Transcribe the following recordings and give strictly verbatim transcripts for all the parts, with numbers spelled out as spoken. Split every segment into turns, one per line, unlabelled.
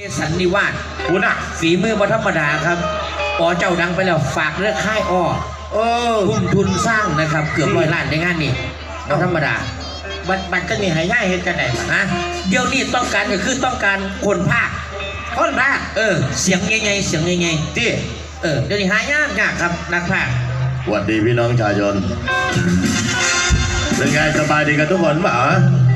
สันนิวาสคุณอ่ะฝีมือมาธรรมดาครับอ๋อเจ้าดังไปแล้วฝากเรื่องค่ายอ้อเออทุ่มทุนสร้างนะครับเกือบร้อยล้านในงานนี้มาธรรมดาบัตรบัตรก็นี่หายง่ายเห็นกันไหนฮะเดี๋ยวนี้ต้องการก็คือต้องการคนภาคคนภาคเออเสียงใหญ่ๆเสียงใหญ่ๆที่เออเดี๋ยวนี้หายากยากครับนักภาค
สวัสดีพี่น้องชาวชนเป็นไงสบายดีกันทุกคนเปล่า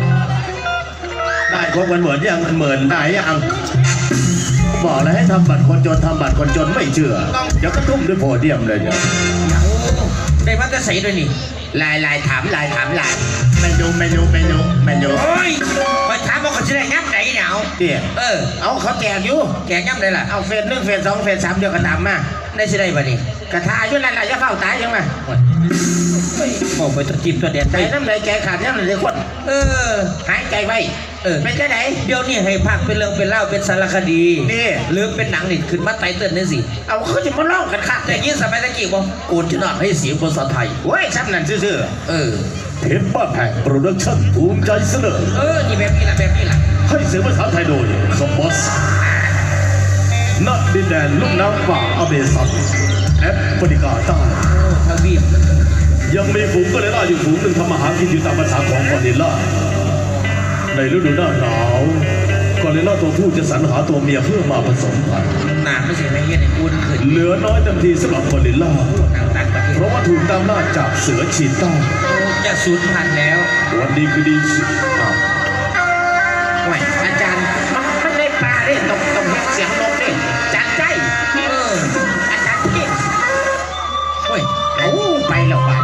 ได้ครบกันเหมือนยังเหมือนได้ยังบอกเลยให้ทำบัตรคนจนทำบัตรคนจนไม่เชื่อเดี๋ยวก็ทุ่มด้วยโพเดียมเลยเดี๋ยว
ได้พักจะใส่ด้วยนี่ลายลายถามลายถามลาย
เมนูเมนูเมนูเมนู
โอ้ยไปถามว่าเขาจะได้งับไหนเนี่ยเอา
เดี๋ย
เออ
เอาเขาแจกอยู่
แจกงับไหนล่ะ
เอาเฟสหนึ่งเฟสสองเฟสสามเดียวกันตามมา
ได้สิได้ป่ะนี่
กระทาอยู่นั่นแหละจะเฝ้าตายยังไง
บอกไปตัวจีบตัวเด็ด
ใจน้ำไหลใจขาดน้ำไหลใจคน
เออ
หายใจไว้
เออ
เป็นแค่ไหน
เดี๋ยวนี้ให้ภาคเป็นเรื่องเป็นเล่าเป็นสารคดีนี่หรือเป็นหนังนี่ขึ้นมาไตเติ้ลนี่สิ
เอาเขาจะมาเล่ากันขาด
แต่ยิ่งสมัยตะกี้บอกกูจะนอนให้เสียงภาษาไทย
เว้ยชั้นนั่นซื่อ
เออ
เทปบ้านแพงโปรดักชั่นภูมิใจเสนอ
เออนี่แบบนี้ละแบบนี้ละ
ให้เสียงภาษาไทยโดยสมบัติณดินแดนลุ่มน้ำป่าอเมซอนแอฟริกาใต้
ทวีป
ยังมีฝูงกอริลลาอยู่ฝูงหนึ่งทำอาหารกินอยู่ตามภาษาของกอริลลาในฤดูหน้าหนาวกอริลลาตัวผู้จะสรรหาตัวเมียเพื่อมาผสมพันธุ์
หนาไม่ใช่ไม่เงี้ยในอุ่นขึ้น
เหลือน้อยเต็มทีสำหรับกอริลลาเพราะว่าถูกตามล่าจากเสือชีต้า
จะสูญพันธุ์แล้ว
วันดีคือดีสุดอ้าว
ไหวอาจารย์
มันมันได้ปลาได้ตรงตรงเสียงนกได้จานใจ
เออ
อาจารย์เก่ง
โอ้ย
โอ้ไปแล้วไป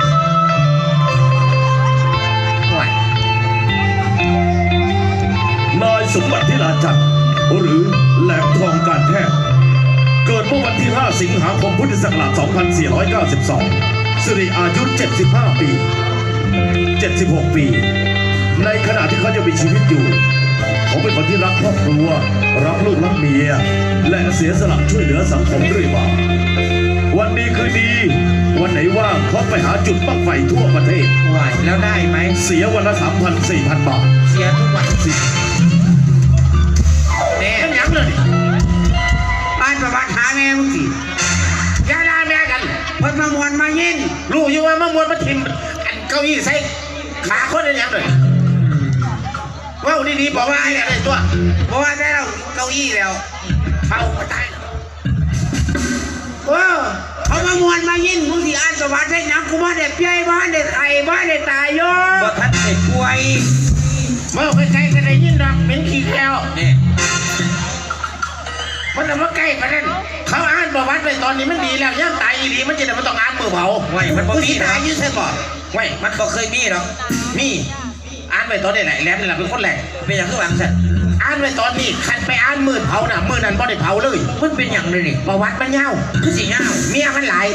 นายสมบัติที่ลาจันทร์หรือแหลมทองการแพทย์เกิดเมื่อวันที่ห้าสิงหาคมพุทธศักราชสองพันสี่ร้อยเก้าสิบสองสิริอายุเจ็ดสิบห้าปีเจ็ดสิบหกปีในขณะที่เขาจะมีชีวิตอยู่เขาเป็นคนที่รักครอบครัวรักลูกรักเมียและเสียสละช่วยเหลือสังคมเรื่อยมาวันดีคือดีวันไหนว่างเขาไปหาจุดบั้งไฟทั่วประเทศ
ไหวแล้วได้ไหม
เสียวันละสามพันสี่พันบาท
เสียทุกวัน
สิ
แน่
ยังยังเลย
บ้านประวัติหาแม่มึงสิ
ยาดาแม่กัน
เพิ่นมามวนมายิง
รู้อยู่ว่ามามวนมาทิมเก้าอี้ใส่ขาคนยังยังเลยว้าวดีๆบอกว่าอะไรตัว
บอกว่าได้เราเก้าอี้แล้ว
เขาตาย
ว้าเขามามวนมายิงมึงสิอ่านประวัติได้ยังกูมาเด็ดเปี้ยบ้านเด็ดไข่บ้านเด็ดตายโย่บ่ทันเด็ดป่วย
เมื่อใกล้ๆกันได้ยินดอกเป็นขี้แก้ว
นี่
มันจะมาใกล้กันนั่นเขาอ่านประวัติไปตอนนี้มันดีแล้วย่างตายดีมันจะได้มันต้องอ่านมือเผา
ไว้มันบ่มี
ตายยืดเส้นบ่ไว้
มันบ่เคยมีหรอก
มีอ่านไปตอนนี้แหละแหลมนี่แหละเป็นคนแหลก
เป็นอย่างคือวางสัตว์
อ่านไปตอนนี้คันไปอ่านมือเผาน่ะมือนั้นบ่ได้เผาเลย
มันเป็นอย่างเลยนี่
ประวัติมันเงา
คือสีเงา
เมียมันหลาย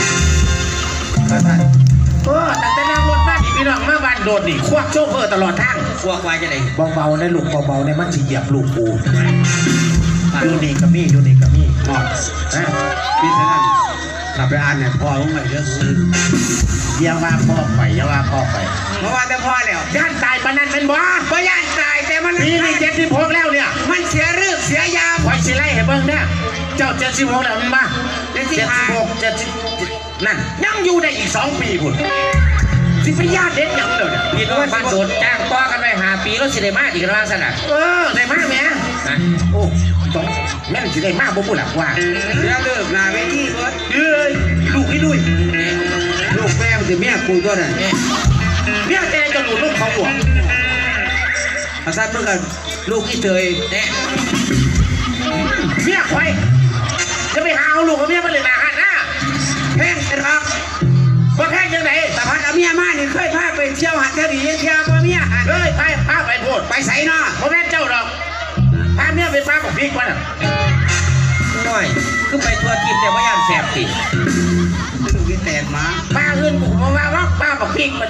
โอ้แต่แต่นั่งรถบ้านพี่น้องมาบ้านโดดนี่ควักโชเฟอร์ตลอดทาง
ควักไว้จะไหน
เบาๆนะลูกเบาๆเนี่ยมันจะเหยียบลูกกูยูนิกับมี่ยูนิกับมี่
พอด
นะ
พี่ท่านขับไปอ่านเนี่ยพ่อของใหม่เยอะ
อย่าว่าพ่อไปอย่าว่าพ่อไป
เพราะว่าแต่พ่อแล้ว
ย่านตายปนั่นเป็นบ่
บ่ย่านตายแต่มัน
ปีนี้เจ็ดสิบหกแล้วเนี่ย
มันเสียเรื่องเสียยาม
คอยสิไล่ให้เบิ่งเนี่ยเจ้าเจ็ดสิบหกแล้วมันมา
เจ็ดสิ
บหกเจ็ดสิบนั่นยังอยู่ได้อีกสองปีพุ่นสิไปญาติเด็กยังเลยเนี่ย
พี่น้องบ้านโดนจ้างต่อกันไปหาปีแล้วสิได้มาอีกแล้วสั่นน่ะ
เออได้มาแม่โอ้ต้องแม่นสิได้มาบ่ผู้หลักว่า
เสียเลิกหน้าเวทีเบิด
เอ้ยลูกให้ด้วย
ลูกแม่มันจะแม่กูตัวนั้น
เมียแกจะหลุดลูกเขาหัว
ภาษาเมื่อกันลูกที่เตยเนี่ย
เมียควายจะไปหาเอาลูกกับเมียมาเลยนะฮะนะ
แพงเป็นรัก
ว่าแพงยังไง
แต่พัดเอาเมียมานี่เคยพาไปเที่ยวหัดเที่ยวดีเที่ยวกับเมีย
เฮ้ยพาพาไปพูด
ไปใส่เนาะ
พ่อแม่เจ้าดอกพาเมียไปฟ้ากับพี่กว่าน่ะ
หน่อยคือไปทัวร์ทีมแต่ว่าย่านแสบติลูกที่แตกมา
ป้าเงินกูมาว่าป้ากับพี่มัน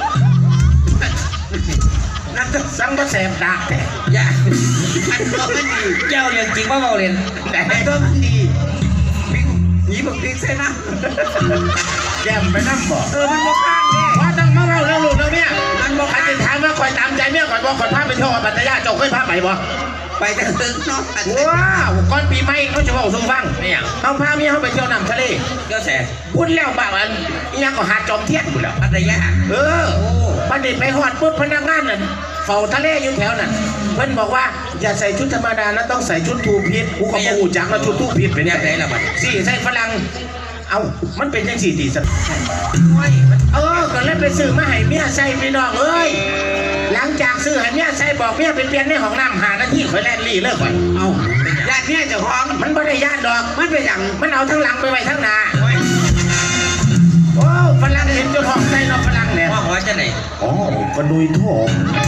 นั่นก็สังก็แสบดักแต่
ย่าอันก็มันดีเจ้าอย่างจริงว่าเบาเรียน
แต่ก็มันดี
บิ๊กหนีบักบิ๊กใช่ไหม
แก้มไปนั่งบ่
เออมันบอกข้างเนี่ย
ว่าต้องมาเล่าเรื่องลูกแล้วเนี่ยมันบอกใครจะถามว่าคอยตามใจเมียคอยบอกคอยพาไปเที่ยวปัตตานีเจ้าเคยพาไปบ่
ไปทางตึกเนาะ
ว้าวก่อนปีใหม่เขาจะบอกส่งฟัง
ไม่อย่าง
เอาพาเมียเขาไปเที่ยวน้ำทะเล
ก็แส
พูดแล้วบ้าวันยังก็หาจอมเทียนอยู่แล้ว
พัทยา
เออประเด็นไปหอดปุ๊บพนักงานนั่นเฝ้าทะเลอยู่แถวนั้นเพิ่นบอกว่าอย่าใส่ชุดธรรมดานะต้องใส่ชุดทูพิษกูก็บ่ฮู้จักแล้วชุดทูพิษเป็นยังไงล่ะบัดสิใส่ฝรั่งเอามันเป็นจังสี่ตีสัตว์เออก็เลยไปซื้อมาให้เมียใส่พี่น้องเอ้ยหลังจากซื้อให้เมียใส่บอกเมียเป็นเปลี่ยนในห้องน้ำหานาทีข่อยแล่นลี่เลิกข่อย
เอาญาติเนี่ยเจ้าของ
มันบ่ได้ย่านดอก
มันเป็นอย่าง
มันเอาทั้งหลังไปไว้ทั้งหน้าโอ้ฝรั่งเห็นเจ้าของใส่เนาะฝรั่งเนี่ย
ว่าหัวจะไหน
อ๋อก็นุยทอง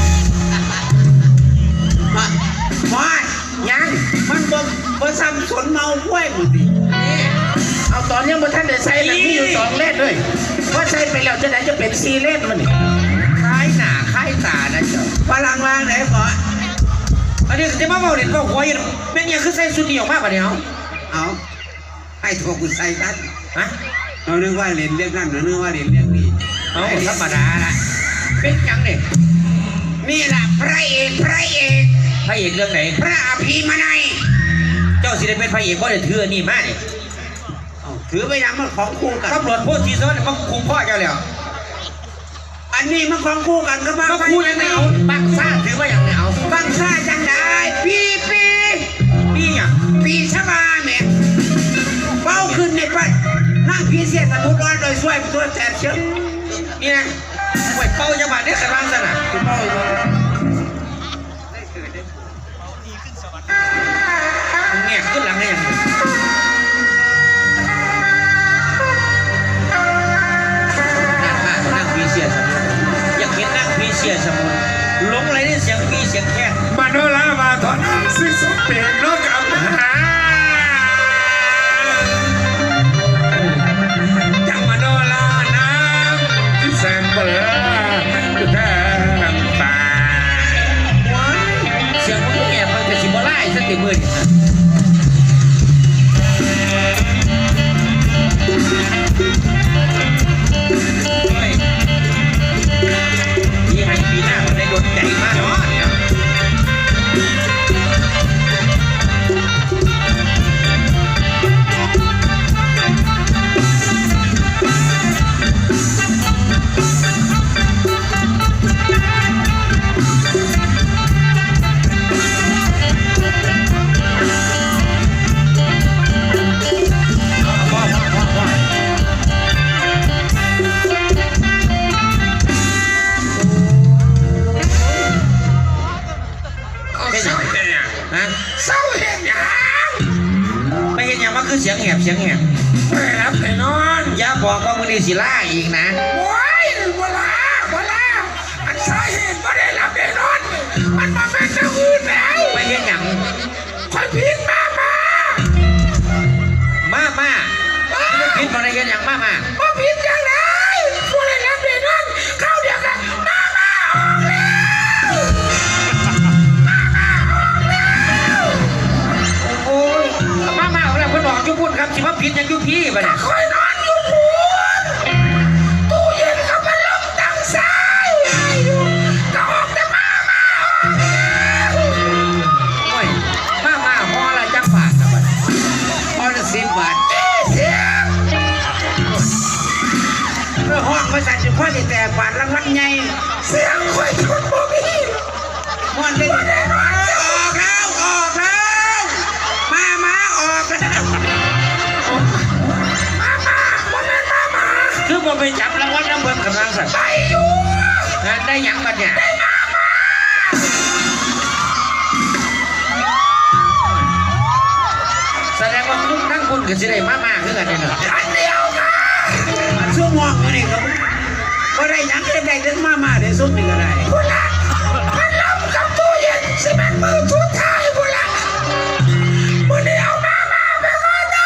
มามา
ยัง
มันบ่บ่ซ้ำสนเมาห้วยหมดดิ
เอาตอนยังบ่ทันได้ใส่น่ะมีอยู่สองเลนเลยเพราะใส่ไปแล้วจะไหนจะเป็นสี่เลนมันนี่
คล้ายหน้าคล้ายตานะเจ้า
พลังวางไหนก่อน
อันนี้จะมาบอกเด็ดบอกหัวยังแม่งยังคือใส่สุดนี้ออกมาปะเนี่ย
เอาให้โทรคุณใส่กัน
ฮะ
เรานึกว่าเรียนเรื่องนั้นเรานึกว่าเรียนเรื่องนี้
เอาธรรมดาละเป็นยังเนี่ย
นี่แหละพระเอกพระเอก
พระเอกเรื่องไหน
พระอภิมนัย
เจ้าสิได้เป็นพระเอกเพราะเดี๋ยวถืออันนี่มาเนี่ย
เอาถือไปยังมันของคู่กัน
ตำรวจโพสต์ทีซ้อนมันคุมพ่อเจ้าแล้ว
อันนี้มันของคู่กันก็บ้า
ก็คู่ยังไงเอาบักซ่าถือว่าอย่างไรเอา
บังซ่าจังได้ปีปี
นี่อย่าง
ปีชะบาแม่เป้าขึ้นในปัดนั่งพีเสียสมุดร้อนโดยช่วยตัวแสบเชื้อ
นี่นะไว้เป้าจังหวัดเนี่ยกระลังสนะ
คุณพ่ออยู่
เงียบขึ้นหลังให้ยังนั่งพีเสียสมุนอยากเห็นนั่งพีเสียสมุนหลงอะไรนี่เสียงพีเสียงแค่
มาโนรามาถอนสิสมเปลี่ยนนกกับหาจังมาโนราน้ำที่แสนเปิดแทนตา
เสียงมันก็แอบมันจะสิบไล่สักกี่หมื่นยี่ให้ปีหน้ามันได้โดนใจมากเนาะฮะ
เศร้าเห็นยัง
ไม่เห็นอย่างมันคือเสียงแหบเสียงแหบ
ไม่รับไปนอน
อย่าบอกว่ามึงนี่สิล่าอีกนะ
โอ้ยเวลาเวลาอันสาเหตุไม่ได้รับได้นอนมันมาเป็นเรื่องอื่นแล้ว
ไม่เห็นอย่าง
คอยพิษมามา
มามาพิษมาในเห็นอย่างมามา
มาพิษยังไงพวกได้รับได้นอนเข้าเดียวกันมามาออกแล้ว
โอ้ยมามาเอาแล้วเพิ่นบอกยุพุ่นครับสิมาพิษยังยุพี่ไปเนี่ย
คอยนอนอยู่พูนตู้เย็นเขามาล็อกดังซ้ายอยู่ก็ออกแต่มามาออกแล้ว
โอ้ยมามาพอละจักบาทนะบัด
พอละสิบบาท
เสียง
เพื่อห้องบริษัทอยู่ข้อที่แต่บาทรางวัลใหญ่
เสียงคอยชนบ่มี
ม่วนได้ดีนะออกแล้วออกแล้วมามาออกแล้ว
มามาบ่แม่นมามา
คือบ่ไปจับรางวัลน้ำเบิ่งกำลังสั่น
ไปอยู่
นะได้หยังบัดเนี่ยแสดงว่าคุณทั้งคุณก็สิได้มามาคือกันเนี่ยเนาะ
อันเดียวกัน
ช่วงห้องนี่ก็ก็ได้หยังก็ได้ถึงมามาได้สุดนี่ก็ได้
พุ่นละพัดลมกับตู้เย็นสิแม่นมือสุดท้ายพุ่นละมื้อนี้เอามามาไปก่อนเด้อ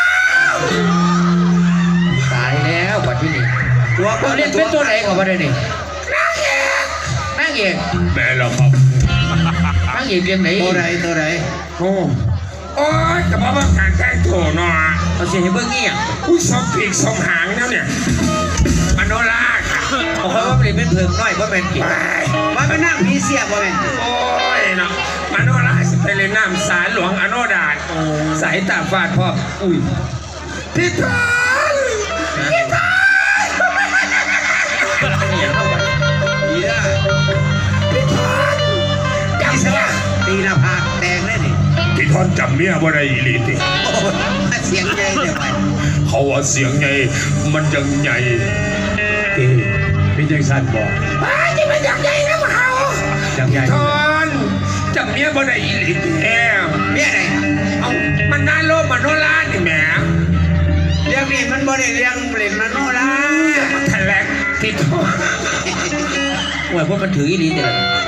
ตายแล้วบัดที่นี่
ตัว
เขาเรียกเป็นตัวไหนก็บ่ได้นี่
นางเอก
นางเอก
แม่แล้วครับ
นางเอกเรียงไหน
ตัวใดตัวใด
โอ้
โอ๊ยแต่ว่าการแต่งตัวเนาะ
เอาสิให้เบิ่งอีหยัง
อุ้ยสองปีกสองหางแล้วเนี่ยมโนราค่ะ
เอาเขาว่ามันเป็นเพิงน้อยบ่แม่นกี่
ว่าไปนั่งพีเสียบ่แม่น
โอ้ยเนาะมโนราสิไป
เลยน้ำสารหลวงอโนดาตสายตาฟาดพอบอุ้ยพี่ทอนพี่ทอน
เนี่ยเข้าไป
ดีละ
พี่ทอน
ตีเสียตีหน้าผากแดงเลยนี่
พี่ทอนจำเมียบ่ได้อีหลีติ
โอ้ยเสียงใหญ่เดี๋ยวไป
เขาว่าเสียงไงมันยังใหญ่
เอ้พี่จังสันบอกอ้าวจะเป็นอย่างใหญ่นะมาเขาอย่างใหญ่ทอนจำเมียบ่ได้อีหลีแอม
เมียไหน
เอามันน่าโลภมันโนรานี่แหม
เรื่องนี้มันบ่ได้เรื่องเล่นมโนรา
มันแถลงพี่ทอน
โอ้ยพวกมันถืออีหลีแต่ละ